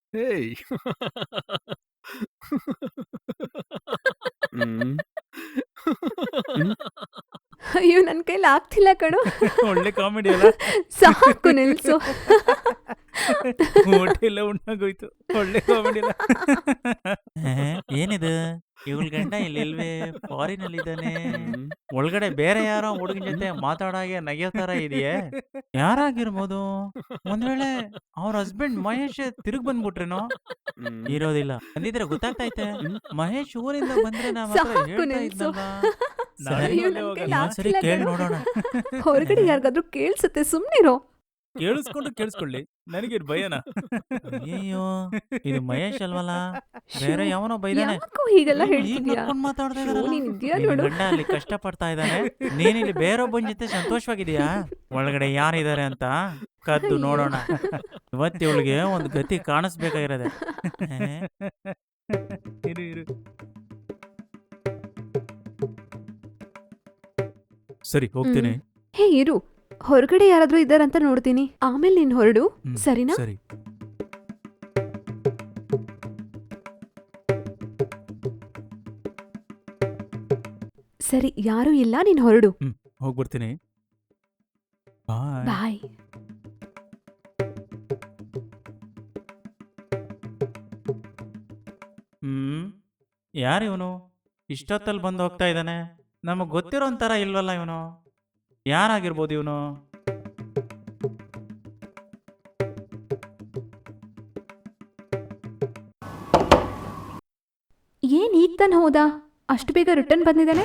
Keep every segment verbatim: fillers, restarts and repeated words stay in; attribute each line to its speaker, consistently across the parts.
Speaker 1: ಹೇಯ್! ಹ್ಮ್. ಹ್ಮ್.
Speaker 2: ಅಯ್ಯೋ ನನ್ ಕೈಲಿ ಆಗ್ತಿಲ್ಲ ಕಣೋ.
Speaker 3: ಒಳ್ಳೆ ಕಾಮಿಡಿ ಅಲ್ಲ.
Speaker 2: ಸಾಕು ನಿಲ್ಸು.
Speaker 3: ಊಟ ಉಣ್ಣಾಗೋಯ್ತು. ಒಳ್ಳೆ ಕಾಮಿಡಿ ಅಲ್ಲ. ಏನಿದು ಇವಳ ಗಂಡ ಇಲ್ವೇ ಫಾರಿನ್ ಅಲ್ಲಿ ಇದ್ದಾನೆ.
Speaker 1: ಹ್ಮ್.
Speaker 3: ಒಳಗಡೆ ಬೇರೆ ಯಾರೋ ಹುಡುಗನ ಜೊತೆ ಮಾತಾಡಾಗೆ ನಗಿಯೋ ತರ ಇದೆಯೇ. ಯಾರಾಗಿರ್ಬೋದು? ಒಂದ್ ವೇಳೆ ಅವ್ರ ಹಸ್ಬೆಂಡ್ ಮಹೇಶ್ ತಿರುಗ್ ಬಂದ್ಬಿಟ್ರೇನೋ.
Speaker 1: ಹ್ಮ್.
Speaker 3: ಇರೋದಿಲ್ಲ ಅಂದಿದ್ರೆ ಗೊತ್ತಾಗ್ತೈತೆ. ಮಹೇಶ್ ಊರಿಂದ ಬಂದ್ರೆ ನಾವ್ ಹತ್ರ
Speaker 2: ಸಾಕು
Speaker 3: ಹೇಳ್ತಾ
Speaker 2: ನಿಲ್ಸು.
Speaker 3: ಇದ್ನಲ್ವಾ.
Speaker 2: ಅಯ್ಯೋ, ನನ್ ಕೈಲಿ
Speaker 3: ಇನ್ನೊಂದ್ಸರಿ
Speaker 2: ಆಗ್ತಿಲ್ಲ
Speaker 3: ಕೇಳ್
Speaker 2: ಕಣೋ.
Speaker 3: ನೋಡೋಣ.
Speaker 2: ಹೊರಗಡೆ ಯಾರಿಗಾದ್ರೂ ಕೇಳ್ಸತ್ತೆ, ಸುಮ್ನಿರೋ.
Speaker 3: ಕೇಳಿಸ್ಕೊಂಡು ಕೇಳಿಸ್ಕೊಳ್ಳಿ, ನನಗೆ ಭಯನಾ? ಅಯ್ಯಯ್ಯೋ, ಇದು ಮಹೇಶ್ ಅಲ್ವಲ್ಲ, ಬೇರೆ
Speaker 2: ಶ್ಯೋ,
Speaker 3: ಯಾವನೋ ಬೈದಾನೆ.
Speaker 2: ಯಾಕೋ ಹೀಗೆಲ್ಲ
Speaker 3: ಈಗ
Speaker 2: ಹೇಳ್ತಿದ್ಯಾ?
Speaker 3: ನಕ್ಕೊಂಡ್ ಮಾತಾಡ್ತಾ
Speaker 2: ಶ್ಯೋ,
Speaker 3: ಇದಾರಲ್ಲ.
Speaker 2: ನೀನ್ ಇದ್ಯಾ
Speaker 3: ನಿನ್
Speaker 2: ನೋಡು.
Speaker 3: ಗಂಡ ಅಲ್ಲಿ ಕಷ್ಟ ಪಡ್ತಾ ಇದ್ದಾನೆ, ನೀನಿಲ್ಲಿ ಬೇರೊಬ್ಬನ ಜೊತೆ ಸಂತೋಷವಾಗಿದೀಯಾ? ಒಳಗಡೆ ಯಾರಿದ್ದಾರೆ ಅಂತ ಕದ್ದು
Speaker 2: ಅಯ್ಯೋ.
Speaker 3: ನೋಡೋಣ. ಇವತ್ತು ಇವಳಿಗೆ ಒಂದು ಗತಿ ಕಾಣಿಸ್ಬೇಕಾಗಿರೋದೆ. ಇರು ಇರು ಸರಿ ಹೋಗ್ತೀನಿ.
Speaker 2: ಹ್ಮ್. ಹೇ ಇರು, ಹೊರಗಡೆ ಯಾರಾದ್ರೂ ಇದ್ದಾರಂತ ನೋಡ್ತೀನಿ, ಆಮೇಲೆ ನೀನ್ ಹೊರಡು.
Speaker 3: ಹ್ಮ್,
Speaker 2: ಸರಿನಾ?
Speaker 3: ಸರಿ.
Speaker 2: ಸರಿ, ಯಾರೂ ಇಲ್ಲ, ನೀನ್ ಹೊರಡು.
Speaker 3: ಹ್ಮ್ ಹೋಗ್ಬಿಡ್ತೀನಿ. ಬಾಯ್.
Speaker 2: ಬಾಯ್.
Speaker 3: ಹ್ಮ್ ಯಾರು ಇವನು? ಇಷ್ಟೊತ್ತಲ್ಲಿ ಬಂದು ಹೋಗ್ತಾ ಇದ್ದಾನೆ. ನಮಗ್ ಗೊತ್ತಿರೋ ಒಂಥರ ಇಲ್ವಲ್ಲ ಇವನು. ಯಾರಾಗಿರ್ಬೋದು ಇವನು?
Speaker 2: ಏನ್ ಈಗ ತಾನೆ ಹೋದ, ಅಷ್ಟು ಬೇಗ ರಿಟರ್ನ್ ಬಂದಿದ್ದಾನೆ?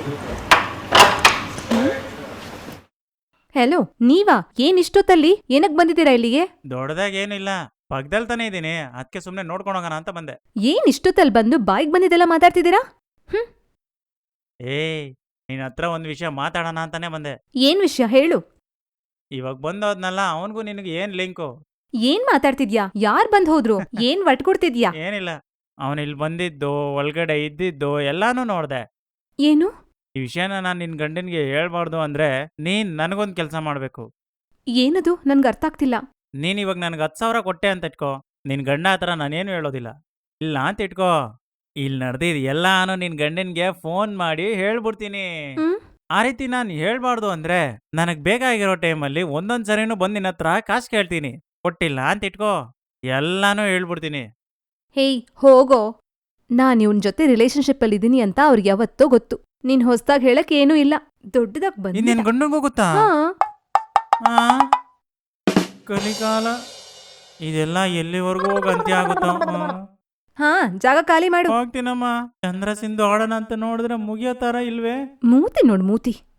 Speaker 2: ಹೆಲೋ, ನೀವಾ? ಏನ್ ಇಷ್ಟೊತ್ತಲ್ಲಿ? ಏನಕ್ ಬಂದಿದ್ದೀರಾ ಇಲ್ಲಿಗೆ?
Speaker 3: ದೊಡ್ಡದಾಗ ಏನಿಲ್ಲ, ಪಕ್ಕದಲ್ಲಿ ತಾನೇ ಇದ್ದೀನಿ, ಅದಕ್ಕೆ ಸುಮ್ಮನೆ ನೋಡ್ಕೊಂಡು ಹೋಗೋಣ ಅಂತ ಬಂದೆ.
Speaker 2: ಏನ್ ಇಷ್ಟೊತ್ತಲ್ಲಿ ಬಂದು ಬಾಯಿಗೆ ಬಂದಿದ್ದೆಲ್ಲ ಮಾತಾಡ್ತಿದ್ದೀರಾ? ಹ್ಮ್.
Speaker 3: ಏ ನಿನ್ನ ಹತ್ರ ಒಂದು ವಿಷಯ ಮಾತಾಡೋಣ ಅಂತಾನೆ ಬಂದೆ.
Speaker 2: ಏನ್ ವಿಷಯ ಹೇಳು.
Speaker 3: ಇವಾಗ ಬಂದೋದ್ನಲ್ಲ, ಅವನಿಗೂ ನಿನಗೆ ಏನ್ ಲಿಂಕು?
Speaker 2: ಏನ್ ಮಾತಾಡ್ತಿದ್ಯಾ? ಯಾರ್ ಬಂದ್ ಹೋದ್ರು? ಏನ್ ಕೊಡ್ತಿದ್ಯಾ?
Speaker 3: ಏನಿಲ್ಲ, ಅವನು ಇಲ್ಲಿ ಬಂದಿದ್ದು, ಒಳಗಡೆ ಇದ್ದಿದ್ದು ಎಲ್ಲಾನು ನೋಡ್ದೆ.
Speaker 2: ಏನು?
Speaker 3: ಈ ವಿಷಯನ ನಾನು ನಿನ್ ಗಂಡನ್ಗೆ ಹೇಳ್ಬಾರ್ದು ಅಂದ್ರೆ ನೀನ್ ನನಗೊಂದು ಕೆಲಸ ಮಾಡ್ಬೇಕು.
Speaker 2: ಏನದು? ನನ್ಗೆ ಅರ್ಥ ಆಗ್ತಿಲ್ಲ.
Speaker 3: ನೀನ್ ಇವಾಗ ನನ್ಗೆ ಹತ್ತು ಸಾವಿರ ಕೊಟ್ಟೆ ಅಂತ ಇಟ್ಕೋ, ನಿನ್ ಗಂಡ ಹತ್ರ ನಾನೇನು ಹೇಳೋದಿಲ್ಲ. ಇಲ್ಲ ಅಂತ ಇಟ್ಕೋ, ಇಲ್ಲಿ ನಡೆದಿದ್ ಎಲ್ಲಾನು ನಿನ್ ಗಂಡನ್ಗೆ ಫೋನ್ ಮಾಡಿ ಹೇಳ್ಬಿಡ್ತೀನಿ.
Speaker 2: ಹ್ಮ್.
Speaker 3: ಆ ರೀತಿ ನಾನು ಹೇಳ್ಬಾರ್ದು ಅಂದ್ರೆ ನನಗ್ ಬೇಕಾಗಿರೋ ಟೈಮಲ್ಲಿ ಒಂದೊಂದ್ ಸರಿನೂ ಬಂದ್ ನಿನ್ನ ಹತ್ರ ಕಾಸು ಕೇಳ್ತೀನಿ. ಕೊಟ್ಟಿಲ್ಲ ಅಂತ ಇಟ್ಕೋ, ಎಲ್ಲಾನು ಹೇಳ್ಬಿಡ್ತೀನಿ.
Speaker 2: ಹೇಯ್ ಹೋಗೋ. ನಾನ್ ಇವನ್ ಜೊತೆ ರಿಲೇಶನ್ಶಿಪ್ ಅಲ್ಲಿ ಇದೀನಿ ಅಂತ ಅವ್ರಿಗೆ ಯಾವತ್ತೋ ಗೊತ್ತು. ನೀನ್ ಹೊಸ್ದಾಗ್ ಹೇಳಕ್ ಏನೂ ಇಲ್ಲ. ದೊಡ್ಡದಾಗ್
Speaker 3: ಇನ್ ನಿನ್
Speaker 2: ಬಂದ.
Speaker 3: ಗಂಡಂಗೂ ಗೊತ್ತಾ?
Speaker 2: ಹಾ.
Speaker 3: ಆ? ಕಲಿಕಾಲ ಇದೆಲ್ಲ ಎಲ್ಲಿವರೆಗೂ ಹೋಗಿ ಅಂತ್ಯ ಆಗುತ್ತೋ.
Speaker 2: ಹಾ, ಜಾಗ ಖಾಲಿ ಮಾಡು.
Speaker 3: ಹೋಗ್ತೀನಮ್ಮ. ಚಂದ್ರ ಸಿಂಧು ಆಡೋಣ ಅಂತ ನೋಡಿದ್ರೆ ಮುಗಿಯೋ ತರ ಇಲ್ವೇ?
Speaker 2: ಮೂತಿ ನೋಡ್ ಮೂತಿ.